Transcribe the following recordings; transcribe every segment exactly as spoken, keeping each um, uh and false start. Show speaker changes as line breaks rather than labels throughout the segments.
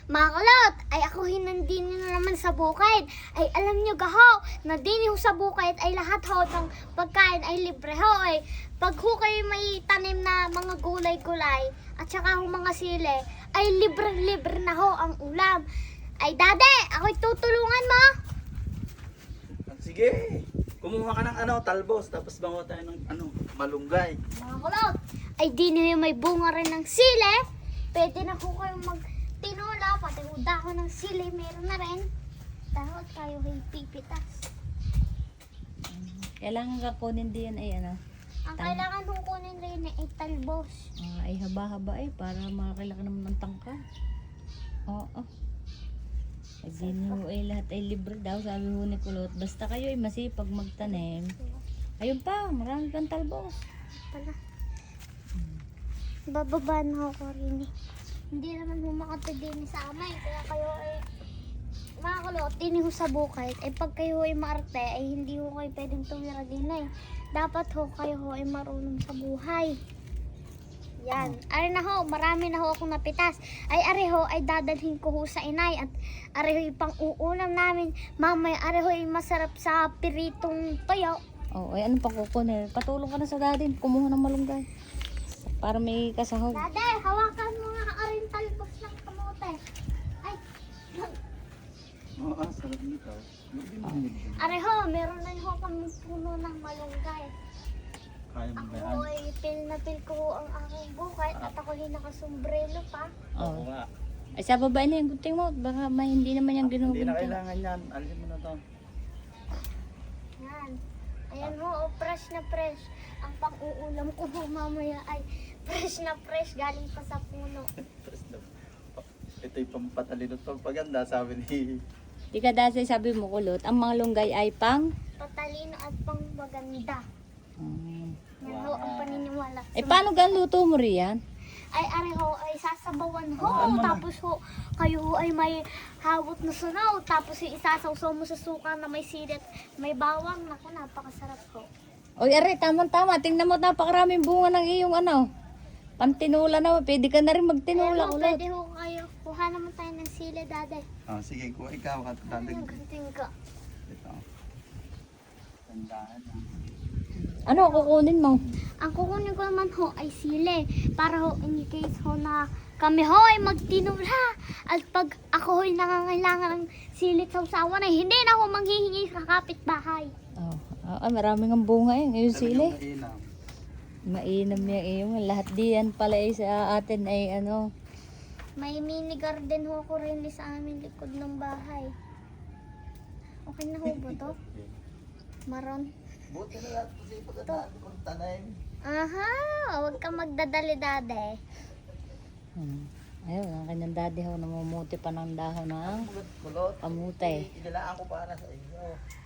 Mga kulot, ay ako hinandin na naman sa bukid. Ay alam nyo gaho, na din ho sa bukid ay lahat ho ng pagkain ay libre ho. Ay pag ho kayo may tanim na mga gulay-gulay at saka ho mga sili, ay libre-libre na ho ang ulam. Ay dade, ako'y tutulungan mo.
Sige, kumuha ka ng ano, talbos, tapos bango tayo ng ano, malunggay.
Mga kulot, ay di nyo may bunga rin ng sili. Pwede na ho kayong magtinola, pati ho dahon ng sili, meron na rin. Dahon kayo ay pipitas.
Kailangan ka kunin din ay ano.
Ang
Tama.
kailangan kong kunin rin ay talbos.
ah, ay haba-haba eh para makakilaki naman ng tangka. Oo. Ay di nyo ay lahat ay libre daw sabi ho ni Kulot. Basta kayo ay masipag magtanim. Ayun pa, marami kang talbos.
Pala. Bababa na ako rin eh. Hindi naman humakata din sa amin. Kaya kayo ay mga kulot, din ho sa bukid. Ay pag kayo ay maarte, ay hindi ho kayo pwedeng tumira din eh. Dapat ho kayo ho ay marunong sa buhay. Yan. Ari na ho, marami na ho akong napitas. Ay ari ho, ay dadalhin ko ho sa inay. At ari ho, pang uulam namin. Mamaya, ari ho, ay masarap sa piritong toyo.
Oo, ay ano pa kukunin? Patulong ka na sa dadin. Kumuha ng malunggay. Para may kasahog.
Dade, hawakan mo nga aring talbos ng kamote. Ay,
Oo, ah, sarap nito.
areho, meron na ho kami puno ng malunggay.
Kaya mo ba yan?
Ako ay pil na pil ko ang aking bukay at ako ay nakasombrelo pa.
Oo
Oo.
nga.
Ay sa babae na yung gunting mo. Baka may hindi naman yung
Hindi na
ginugunting.
kailangan yan. Alisin mo na to.
Yan. Ayan ho, oh, fresh na fresh. Ang pang-uulam ko ho mamaya ay fresh na fresh galing pa sa puno.
Tapos na- Ito yung pampatalino at pampaganda, sabi ni...
Di ka dahil sabi mo Kulot, ang mga lunggay ay pang...
Patalino at pang maganda.
Um,
Yan ho, ang paniniwala.
eh paano gan luto mo riyan?
Ay areho ay sasabawan ho,
Ah, ano na?
tapos ho kayo ho ay may hawot na sunaw, tapos yung isasawsaw mo sa suka na may silit, may bawang, naku napakasarap ho.
Oy, are, tama-tama. Tingnan mo, napakaraming bunga ng iyong ano. Pantinula na. Pwede ka na rin magtinula,
Ayan ho,
Kulot.
pwede ho kayo, kuha naman tayo ng sili dade.
Ah, sige, kuha ikaw at
Ano
dadag.
yung ganting ko?
Ito. Tandaan na.
Ano kukunin mo?
Ang kukunin ko naman ho ay sili, para ho in case ho na kami ho ay magtinula. At pag ako ho ay nangangailangan ng silit sa usawan ay hindi na ho manghihingi sa kapitbahay.
Oh, ah, ah, maraming ang bunga yun. Yung
Sabi
sili.
yung mainam.
Mainam yung iyong. Lahat diyan pala ay sa atin ay ano.
May mini garden ho ko rin sa amin likod ng bahay. Okay na ho ba to? Maron.
Buti na lang kasi pagkataan kong tanim.
Aha, huwag ka magdadali dade.
Hmm. Ayun, ang kanyang daddy ho namumuti pa ng dahon ng
Kulot.
kamutay.
Inilaan ko para sa inyo.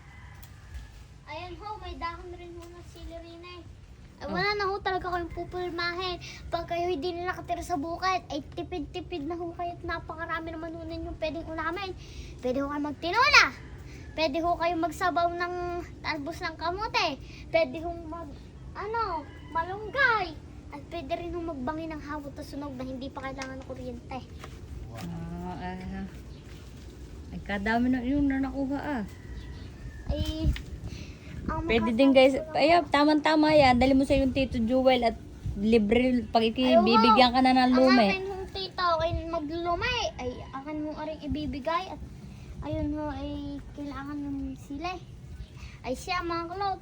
Ayan ho, may dahon rin ho ng silerina eh. Ay, wala na ho talaga kayong pupulmahin. Pag kayo hindi na nakatira sa bukid, ay tipid-tipid na ho kayo at napakarami naman ho ninyong pwedeng ulamin. Pwede ho kayo magtinola. Pwede ho kayo magsabaw ng talbos ng kamote. Pwede ho mag, ano, malunggay. At pwede rin ho magbangi ng hawot na sunog na hindi pa kailangan ng kuryente.
Ah, ah. Ay, kadami na yung na nakuha ah.
Ay, ang
Pwede
makaka-
din guys. Ay, tama-tama yan. Dali mo sa yung Tito Jewel at libre pag ikibibigyan ka na ng
Ang
lume.
akin hong tita ay maglumay, ay akin mo aring ibibigay at ayun ho ay kailangan ng sila. Ay siya mga kulot.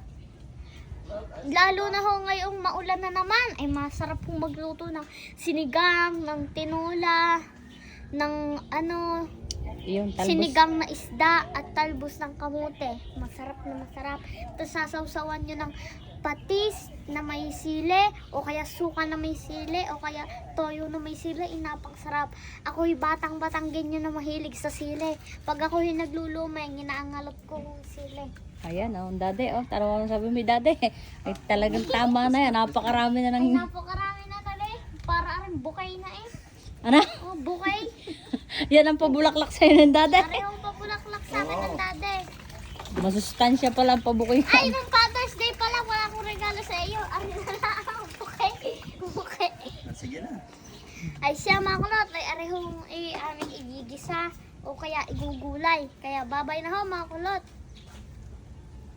Lalo na ho ngayong maulan na naman, ay masarap hong magluto ng sinigang, ng tinola, ng ano,
Yung talbos.
sinigang na isda at talbos ng kamote. Masarap na masarap. Tapos sasawsawan nyo ng patis na may sili o kaya suka na may sili o kaya toyo na may sili. Inapang sarap. Ako'y batang-batang ganyan na mahilig sa sili. Pag ako'y naglulumay, ginaangalot ko ng sili.
Ayan, oh, daddy, oh, tara mo sabi mo, daddy. Ay, talagang tama na yan. Napakarami na
Ay
ng...
napakarami na tali. Para rin bukay na eh.
Ano?
Oh, bukay.
Yan ang pabulaklak sa'yo ng daddy.
Parehong papulaklak sa akin ng dade.
Masustansya pala ang pabukoy.
Ay, nung Father's Day pala, wala akong regalo sa iyo. Ano na lang, bukay. Bukay.
Sige na.
Ay siya mga kulot, ay arehong ay aming igigis igigisa o kaya igugulay. Kaya babay na ho mga kulot.